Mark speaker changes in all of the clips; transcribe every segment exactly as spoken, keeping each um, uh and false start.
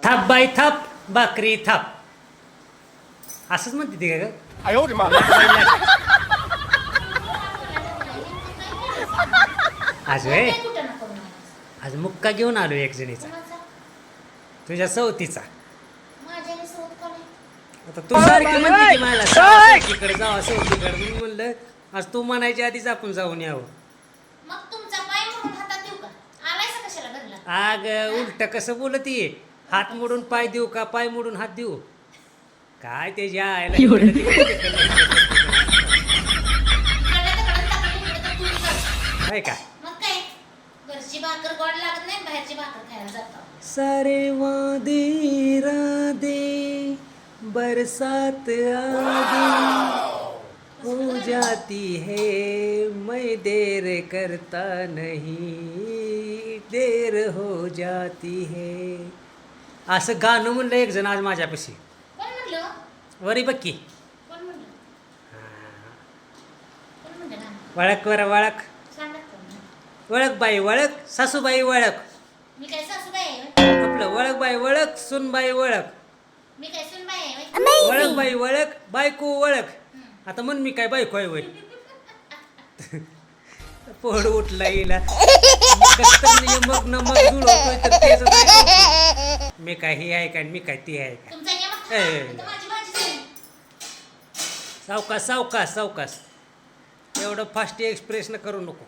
Speaker 1: थाप बाई थाप भाकरी थाप असंच म्हणते ती का ग? आज वे
Speaker 2: काय कुठं नको मला.
Speaker 1: आज मुक्का घेऊन आलो एक जणीचा
Speaker 2: कोणाचा?
Speaker 1: तुझ्या सवतीचा.
Speaker 2: माझ्याने सोबत कोण आहे?
Speaker 1: आता तू सारखी म्हणते की मला सवतीकडे जावा सवतीकडे मी म्हणलं आज तू म्हणायच्या आधीच आपण जाऊन यावं.
Speaker 2: मग तुमचा पाय म्हणून हातात देऊ का? आलायसा कशाला घरला?
Speaker 1: आग उलट कसं बोलती हात मोडून पाय देऊ का पाय मोडून हात देऊ काय त्याच्या आयला
Speaker 2: इकडं तिकडं टाकली इकडं तर तुम्ही करता.
Speaker 1: काय का
Speaker 2: मग काय? घरची भाकर गोड लागत नाही, बाहेरची भाकर खायला जातो.
Speaker 1: सारे वादे राधे बरसात आगे हो जाती है मैं देर करता नहीं देर हो जाती है असं गाणं म्हणलं एक जण आज माझ्यापाशी
Speaker 2: कोण म्हणलं?
Speaker 1: वरी बक्की
Speaker 2: कोण म्हणलं? कोण म्हणलं ना?
Speaker 1: वळख वर वळख
Speaker 2: सांगा कोण?
Speaker 1: वळख बाई वळख सासूबाई वळख
Speaker 2: मी काय सासूबाई आहे होय?
Speaker 1: आपलं वळख बाई वळख सुनबाई वळख
Speaker 2: मी काय सुनबाई आहे होय?
Speaker 1: वळख बाई वळख बायको वळख आता म्हण मी काय बायको आहे वय पोड उठला येईला मग न मग जुळवतोय तर तेच नाही. मी काय ही आहे का मी काय ती आहे का
Speaker 2: तुमचा नियम
Speaker 1: ए.
Speaker 2: तर माझी भाजी झाली.
Speaker 1: सावकाश सावकाश सावकाश एवढं फास्ट एक्सप्रेस न करू नको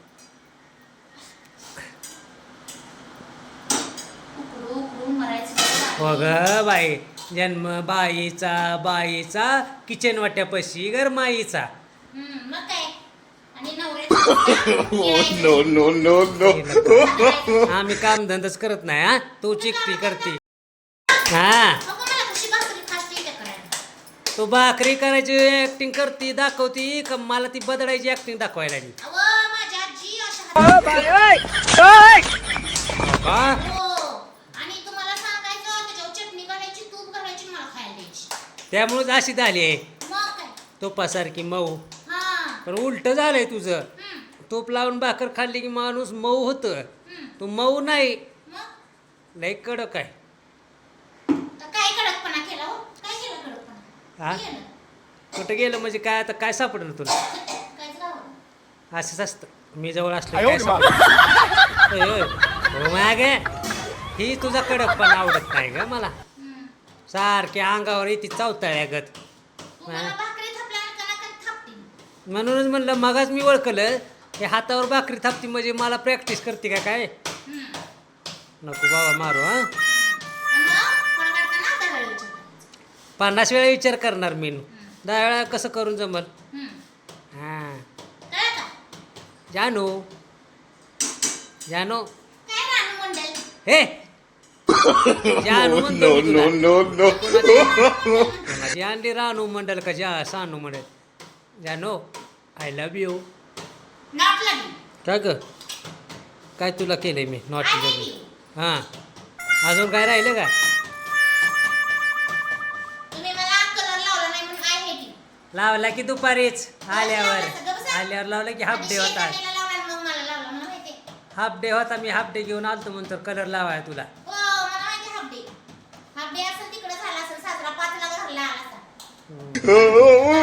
Speaker 2: उकडू उकडू मरायचं बरं.
Speaker 1: हो ग बाई जन्म बाईचा बाईचा किचन वाट्यापाशी गरमाईचा
Speaker 2: हम्म, मग काय? आणि
Speaker 3: no,
Speaker 2: नवऱ्याचं
Speaker 3: no, no, no.
Speaker 1: आम्ही काम धंदाच करत नाही हा तू चिकटी करते हा
Speaker 2: नको मला कशी भाकरी फास्ट येते करायला.
Speaker 1: तू भाकरी करायची ऍक्टिंग करते दाखवती का मला ती बदलायची ऍक्टिंग दाखवायला लागली
Speaker 2: अहो, माझी आजी अशा हाताने-
Speaker 1: का
Speaker 2: हो. आणि तुम्हाला सांगायचं त्याच्यावर चटणी घालायची, तूप घालायची, मला खायला द्यायची.
Speaker 1: त्यामुळेच अशी झाली आहे
Speaker 2: मग काय?
Speaker 1: तुपासारखी मऊ
Speaker 2: हा.
Speaker 1: पण उलट झालंय तुझं
Speaker 2: हम्म,
Speaker 1: तूप लावून भाकर खाल्ली की माणूस मऊ होतं
Speaker 2: हम्म.
Speaker 1: तू मऊ नाही
Speaker 2: मग
Speaker 1: लय कडक आहे
Speaker 2: तर काय कडकपणा केला हो? काय केलं कडकपणा?
Speaker 1: हा?
Speaker 2: काय केलं?
Speaker 1: कुठं गेलं म्हणजे काय आता काय सापडलं तुला
Speaker 2: काहीच गावं.
Speaker 1: असंच असतं मी जवळ असलो काय सापडलं? होय, होय. हो मागे ही तुझा कडकपणा आवडत नाही ग मला
Speaker 2: हम्म.
Speaker 1: सारखी अंगावर येते चावताळ्यागत
Speaker 2: तू मला भाकरी थापल्यावर कणा कण थापते.
Speaker 1: म्हणूनच म्हणलं मगाच मी ओळखलं हे हातावर भाकरी थापती म्हणजे मला प्रॅक्टिस करते का काय
Speaker 2: हम्म.
Speaker 1: नको बाबा मारू हा
Speaker 2: आणि मग फळ काढताना आता वेळ विचारायचा.
Speaker 1: पन्नास वेळा विचार करणार मी दहा वेळा कसं करून जमल
Speaker 2: हम्म.
Speaker 1: हां
Speaker 2: कळलं का?
Speaker 1: जानू जानू
Speaker 2: काय रानू मंडल?
Speaker 1: हे जानू म्हणतो
Speaker 3: No,
Speaker 1: मी तुला.
Speaker 3: no, no, no.
Speaker 1: कोणाची आणली रानू मंडल का जा सानू मंडल जानू आय लव्ह यू
Speaker 2: नॉट लगी.
Speaker 1: काय ग काय तुला केलंय मी not
Speaker 2: I love
Speaker 1: love
Speaker 2: you.
Speaker 1: हां अजून काय राहिलं का
Speaker 2: तुम्ही मला कलर लावला नाही म्हणून आय हेट यू.
Speaker 1: लावला की दुपारीच आल्यावर आल्यावर लावला की हाफ डे होता
Speaker 2: शेजारीला लावला आणि मग मला लावला मला माहिती आहे.
Speaker 1: हाफ डे होता मी हाफ डे घेऊन आलतो म्हणतो कलर लावाय तुला
Speaker 2: हो मला माहिती हाफ डे. हाफ डे असेल तिकडे झाला असेल साजरा पाचला घरला आला असा.